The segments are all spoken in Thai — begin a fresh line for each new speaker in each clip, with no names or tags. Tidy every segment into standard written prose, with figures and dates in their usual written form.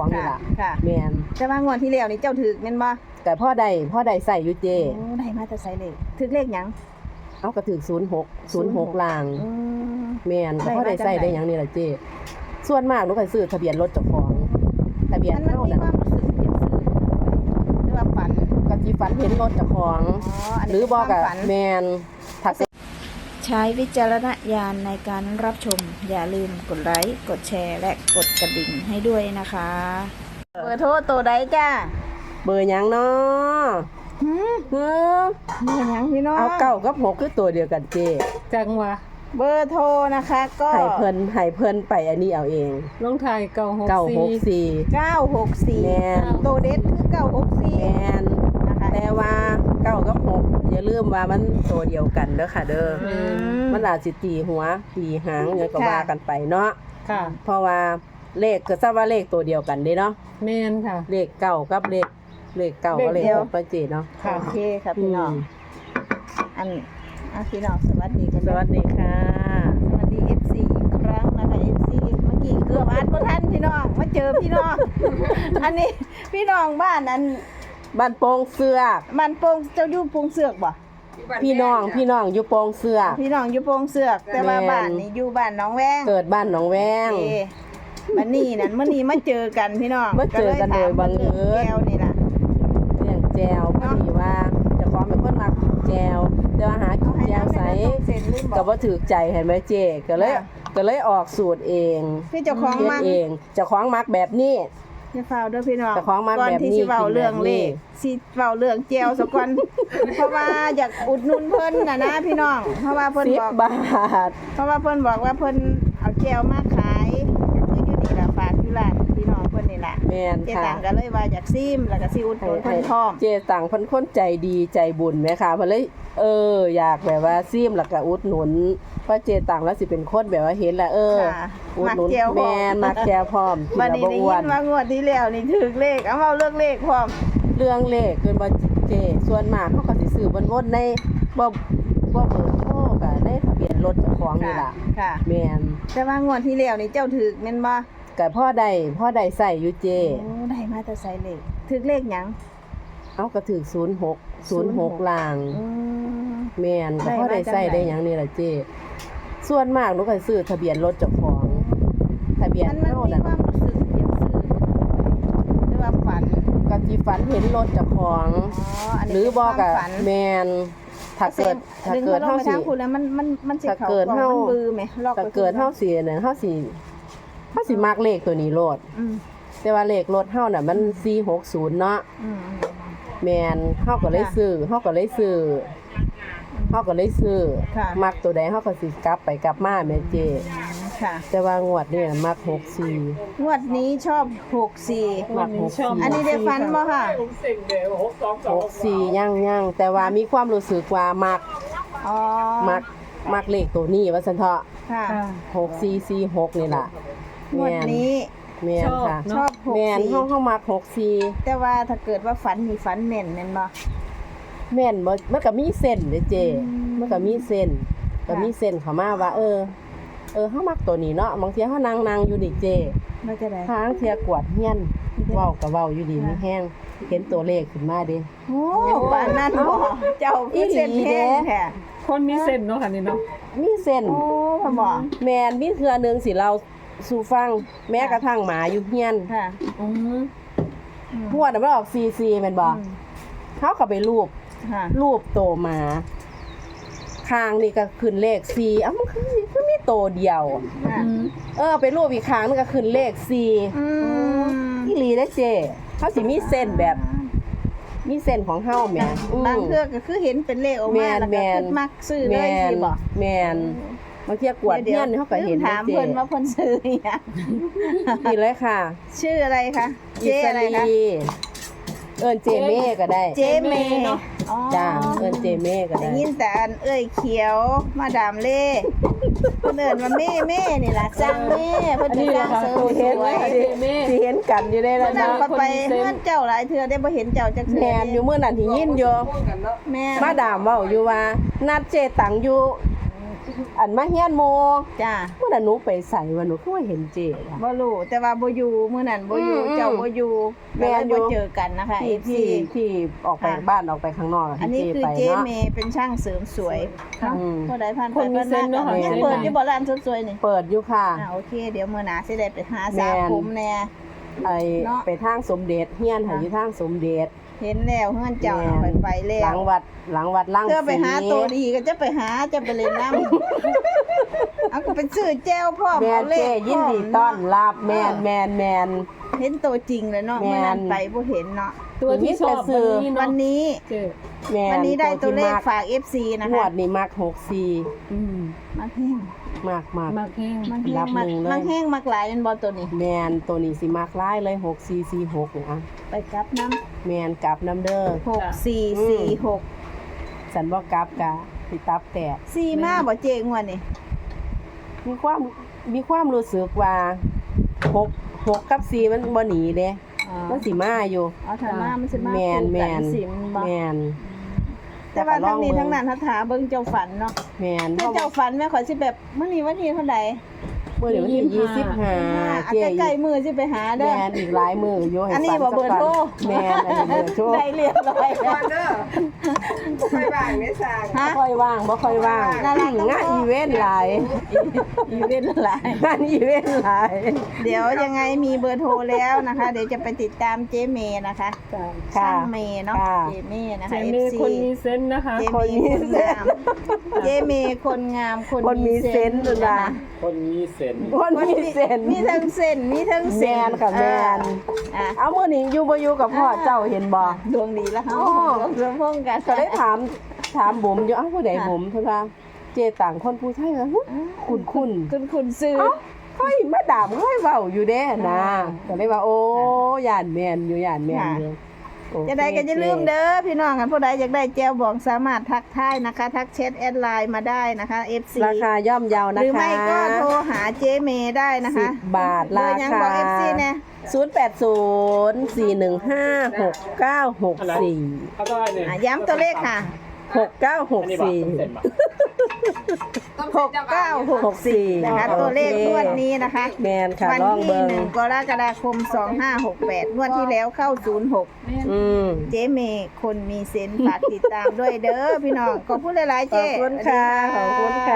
ของนี่ล่ะ
ค่ะ
แม่น
แต่ว่างวดที่แล้วนี่เจ้าถึกแม่นบ่
แต่พ่อได้ใส่อยู่เจ
โอ้ได้มาแต่ไสเลขถึกเลขหยัง
เอาก็ถึก06ล่างแม่นพ่อได้ใส่ได้หยังนี่ล่ะเจส่วนมากหนูก็ซื้อทะเบียนรถเจ้าของทะเบียนเฮานั่น
มันมีความรู้สึกอยากซื้อหรือว่าฝัน
ก็สิฝันเห็นรถเจ้าของหรือบ่ก็แม่นถ้า
ใช้วิจารณญาณในการรับชมอย่าลืมกดไลค์กดแชร์และกดกระดิ่งให้ด้วยนะคะเบอร์โทรตัวใดจ้า
เบอร์หยังเนาะ
เบอร์หยังพี่น้อง
เอา9กับ6คือตัวเดียวกันเจ
จังวะ
เบอร์โทรนะคะก็
ให้เพิ่นไปอันนี้เอาเอง
ลงท้าย
964
964
แม่น
ตัวเด็ดคือ964
แม่นนะคะแต่ว่า9กับ6อย่าลืมว่ามันตัวเดียวกันเด้อค่ะเด้อมันอาจสิตีหัวตีหางหยังก็ว่ากันไปเนาะ
ค่ะ
เพราะว่าเลขก็ทราบว่าเลขตัวเดียวกันเด้เนาะ
แม่นค่ะ
เลข9กับเลข9กับเลข6ประเจเนาะ
โอเคค่ะพี่น้องพี่น้องสวัสดีกัน
สวัสดีค่ะ
สวัสดี FC อีกครั้งนะคะ FC เมื่อกี้เกือบอ่านบ่ทันพี่น้องมาเจอพี่น้องอันนี้พี่น้องบ้าน
บ้านโป่งเสือก
บ้านโป่งเจ้าอยู่โป่งเสือกบ่
พี่น้องอยู่โป่งเสือก
พี่น้องอยู่โป่งเสือกแต่ว่าบ้านนี่อยู่บ้านหนองแวง
เกิดบ้านหนองแวง
มื้อนี้มาเจอกันพี่น้อง
มาเจอกันโดยบังเอิญ
แก้วนี่ล่ะ
เรื่องแจวพอดีว่าเจ้าของเป็นคนมักแจวแต่ว่าหากินแจวใสก็บ่ถูกใจเห็นไหมเจ๊ก็เลยออกสูตรเอง
คือเจ้าของมัก
เองเจ้าของมักแบบนี้
อย่าฟ้าวเด้อพี่น้อง
ก่อน
ที่สิเว้าเรื่องเลขสิเว้าเรื่องแจวซะก่อนเพราะว่าอยากอุดหนุนเพิ่นน่ะนะพี่น้องเพราะว่าเพิ่นบอก
10 บาท
เพราะว่าเพิ่นบอกว่าเพิ่นเอาแจวมาขายคืออยู่นี่ล่ะฝากอยู่ร้านพี่น้องเพิ่นนี่ล่ะ
แม่นค่ะ
เจ๊ตังก็เลยว่าอยากซิมแล้วก็สิอุดหนุนเพิ่นพร้อม
เจ๊ตังเพิ่นคนใจดีใจบุญแม่ค่ะเพิ่นเลยอยากแบบว่าซิมแล้วก็อุดหนุนเพราะเจ๊ตังแล้วสิเป็นคนแบบว่าเห็นแล้วอุดหนุนแม่นมักแจวพร้อม
กินแล้วบ่อ้วนว่างวดที่แล้วนี่ถูกเลขเอาเว้าเรื่องเลขพร้อม
เรื่องเลขเกินบ่เจ๊ส่วนมากเฮาก็สิซื้อวนๆในบ่เบอร์โทรก็ในทะเบียนรถเจ้าของนี่ล่ะ
ค่ะ
แม่น
แต่ว่างวดที่แล้วนี่เจ้าถูกแม่นบ่
ก็พ่อได้ใส่อยู่เจ
โอ้ได้มาแต่ใส่เลขถูกเลขหยัง
เอาก็ถูก06ล่างแม่นก็พ่อได้ใส่ได้หยังนี่ล่ะเจส่วนมากหนูก็ซื้อทะเบียนรถเจ้าของทะเบียนเฮานั่น
ความรู้สึกอยากซื้อหรือว่าฝัน
ก็สิฝันเห็นรถเจ้าของหรือบ่ก็แม่นถ้าเกิดเฮาสิ
คุณแล้วมันสิเข้ามันบือแหม
ล็อกถ้าเกิดเฮาสินั่นเฮาสิมักเลขตัวนี้โลดแต่ว่าเลขรถเฮาน่ะมัน460เนาะแม่นเฮาก็เลยซื้อมักตัวใดเฮาก็สิกลับไปกลับมาแม่เจ
ค่ะ
แต่ว่างวดนี้มัก64
งวดนี้ชอบ64
มัก64
อันนี้ได้ฝันบ่ค่ะ
64ยังแต่ว่ามีความรู้สึกว่ามักเลขตัวนี้ว่าซั่นเถาะ
ค่ะ
6446นี่ล่ะ
งวดนี้
แม่นค่ะ
ชอบ
64แม่นเฮามัก64
แต่ว่าถ้าเกิดว่าฝันนี่ฝันแม่นแม่นบ่
แม่นบ่มันก็มีเส้นเด้เจมันก็มีเส้นเข้ามาว่าเฮามักตัวนี้เนาะบางเที่ยเฮานั่งอยู่นี่เจ
มันจะได้
ทางเที่ยกวาดเฮียนเว้าก็เว้าอยู่ดีมีแฮงเห็นตัวเลขขึ้นมาเด้
โอ้ปานนั้นบ่เจ้าคือเส้นแท้แท้
คนมีเส้นเนาะค่ะนี่เนาะ
มีเส้น
โอ้พ่อบ่
แม่นมีเทื่อนึงสิเราสู่ฟังแม้กระทั่งหมาอยู่เฮียน
ค่ะ
งวดมันออก44แม่นบ่เฮาก็ไปรูปโตหมาข้างนี่ก็ขึ้นเลข4มันคือมีโตเดียวไปรูปอีกข้างนึงก็ขึ้นเลข4อีหลีเด้เจ้เฮาสิมีเส้นแบบมีเส้นของเฮาแม่
บางเทื่อก็คือเห็นเป็นเลขออกมาแล้วก็คิดมักซื้อเลยสิบ่
แม่นบางเที่ยกวดเฮียนเฮาก็เห็น
ถามเพิ่นว่าเพิ่นซื้อหยัง
นี่เลยค่ะ
ชื่ออะไรคะเจอะไรคะ
เจเม่ก็ได้
เจเม่เนาะ
จ้าเจเม่ก็ได้
ยินแต่เขียวมาดามเล่เพิ่นว่าเม่นี่ล่ะจ้างเม่เพิ่นจะจ้างเสริมสวย
สิเห็นกันอยู่ได้แล้ว
นะไปเฮือนเจ้าหลายเทื่อได้บ่เห็นเจ้าจักเทื่อ
แม่นอยู่มื้อนั้นที่ยินอยู่
แม่
มาดามเว้าอยู่ว่านัดเจตังอยู่อันมาเฮียนโม
จ้า
เมื่อนั้นหนูไปใส่ว่าหนูคือว่าเห็นเจอะ
บ่รู้แต่ว่าบ่อยู่มื้อนั้นบ่อยู่
อืม
เจ้าบ่อยู่
แม่
แล้ว
นอยู่
บ่เจอกันนะคะ
ที่
FC
ที่ออกไป
ค่ะ
บ้านออกไปข้างนอก
อันนี้
ที่
คือ
ไป
เจ๊
เนาะ
เมย์เป็นช่างเสริมสวย
ค่ะ
อืม
ผู้ใดผ่านไป
คนมี
ผ่าน
เซนส์เนอะ
มา
ค่ะ
ยัง
เจ๊
เปิดอยู่บ่ร้านสุดสวยนี่
เปิดอยู่ค่ะ
โอเค เดี๋ยวมื้อหน้าสิได้ไปหา
แม่
สาน ผมแน่
ไอ
เนาะ
ไปทางสมเด็จเฮียนหา
ค่ะ
อยู่ทางสมเด็จ
เห็นแล้วเฮือนเจ้า
แม่
เอา
น
ไปแล้
หลั
ว
งวัดล่าง
เพื่อไปหา
ศรี
ตัวดีก็จะไปหาจะไปเล่นน้ำ เอาก็ไปซื้อแจ้วพ่อม
แม่
เอาเล
เจ
ข
ยินดี
พร้
ต้
อ
อ
ม
น
เนาะ
รับแมน
เห็นตัวจริงเลยเนาะ
แม่น
เมื่อนั้นไปบ่เห็นเนาะ
ตัวที่ชอบ
วันนี้
เจ๊
แมน
วันนี้ได้ตัวเลข
ที่
ฝาก FC นะ
งว
คะ
ดนี้มัก64
อืม
มักแห้ง
มาก
มากแห้ง
มักแห้
รั
ง
บ
มัก
หนึ่งเลย
มักแห้งมักหลายเป็นบ่ตัวนี้
แมนตัวนี้สิมักหลายเลย6446นี่อ่ะ
ไปกลับน้ำ
แมนกลับน้ำเด้อ
6446
สันบ่กลับกะสิตับแตก
4มาบ่เจ๊งวดนี่
มีความรู้สึกว่า6กับ4มันบ่หนีเด้มันสิมาอยู่
เอาถ้ามามันสิมา
แมน
คู่
แม
กัน สิบ่
แมน
แต่ว่าทั้งนี้
แต่ก็ลองเบิ่ง
ทั้งนั้นถ้าถาเบิ่งเจ้าฝันเนาะ
แมน
ถ้าเจ้าฝันแม่ขอยสิแบบมื้อนี้วันที่เท่าใด
เมื่อเดี๋ยววันที่
อ่ะ
25เจ๊
ใกล้ๆมื้อสิไปหา
แม
เด้อ
นอีกหลายมืออยู่ให้
อันนี้
ฝั
บ่เบอร์โทร
แมนอันนี้เบอร์โทร
ได้เรียบร้อย
ก่อนเด้อไม่บ่ายไม่สาง
ฮะ
บ่ค่อยว่างบ่ค่อยว่าง
นั่นแหละ
งานอีเวนต์หลาย
อีเวนต์หลาย
งานอีเวนต์หลาย
เดี๋ยวยังไงมีเบอร์โทรแล้วนะคะ เดี๋ยวจะไปติดตามเจเมย์นะคะ
จ้ะ
ค่ะ
ช่างเมย์เนาะ
ค่ะ
เจเมย์นะ
เจ๊
คะ
มี
FC
คนมีเซนส์นะคะ
เจเมย์คนงามเจเมย์คนงามคน
คนมีเซนส์ด้วยนะ
คนมีเซนส์
คนมีเส้น
มีทั้งเส้นมีทั้ง
แม
เส้น
นค่ะแมน
อ่ะ
เอามื้อนี้อยู่บ่อยู่กับพ่อเจ้าเห็นบ่
ดวงดีแล้วเฮา
อ๋อ
รวมพงกัน
ก็ได้ถามบุ๋มอยู่เอ้าผู้ใดบุ๋มเพิ่นว่าเจต่างคนผู้ชายเหรอคุณ
คุณซื้อ
เอ้าค่อยมาดามค่อยเว้าอยู่เด้นะก็เลยว่าโอ้ย่านแม่นอยู่ย่านแม่นอยู่โอเค
จะได้ก็อย่าลืมเด้อพี่น้องกันผู้ใดอยากได้แจวบองสามารถทักทายนะคะ ทักแชทแอดไลน์มาได้นะคะ FC
ราคาย่อมเยา
ห
นะคะ
รือไม่ก็โทรหาเจเมย์ได้นะคะ
10 บาท
เบอ
รา
ร์ยัง
คา
บอก FC แน่
0804156964
เขาได้เนี่ย
ย้ำตัวเลขค่ะ
อันนี้บอกเซนต์ป่ะ
6964 นะคะ ตัวเลขงวดนี้นะคะ
แมนค่ะ
วัน
ลอง
ที่
เบิ่ง
1 กรกฎาคม 2568 งวดที่แล้วเข้า 06
อืม
เจเมย์คนมีเซนส์ฝากติดตามด้วยเด้อพี่น้อง ขอบคุณหลายๆ
ข
เจ
อบคุณค่ะ ขอบคุณค่ะ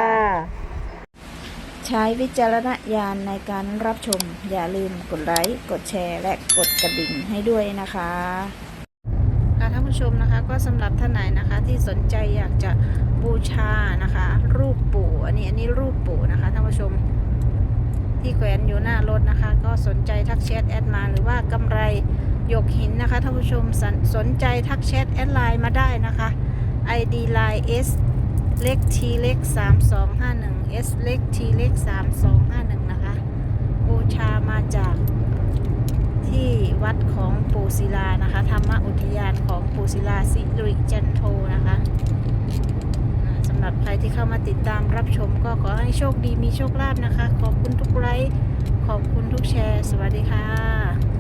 ใช้วิจารณญาณในการรับชม อย่าลืมกดไลค์ กดแชร์ และกดกระดิ่งให้ด้วยนะคะค่ะท่านผู้ชมนะคะ ก็สำหรับท่านไหนนะคะที่สนใจอยากจะบูชานะคะ รูปปู่อันนี้รูปปู่นะคะท่านผู้ชมที่แขวนอยู่หน้ารถนะคะ ก็สนใจทักแชทแอดมาหรือว่ากำไรหยกหินนะคะท่านผู้ชมสนใจทักแชทแอดไลน์มาได้นะคะ ID line S เล็ก T เล็ก3251 S เล็ก T เล็ก3251นะคะบูชามาจากที่วัดของปู่ศิลานะคะธรรมอุทยานของปู่ศิลาสิริจันโทนะคะสำหรับใครที่เข้ามาติดตามรับชมก็ขอให้โชคดีมีโชคลาภนะคะ ขอบคุณทุกไลค์ขอบคุณทุกแชร์ สวัสดีค่ะ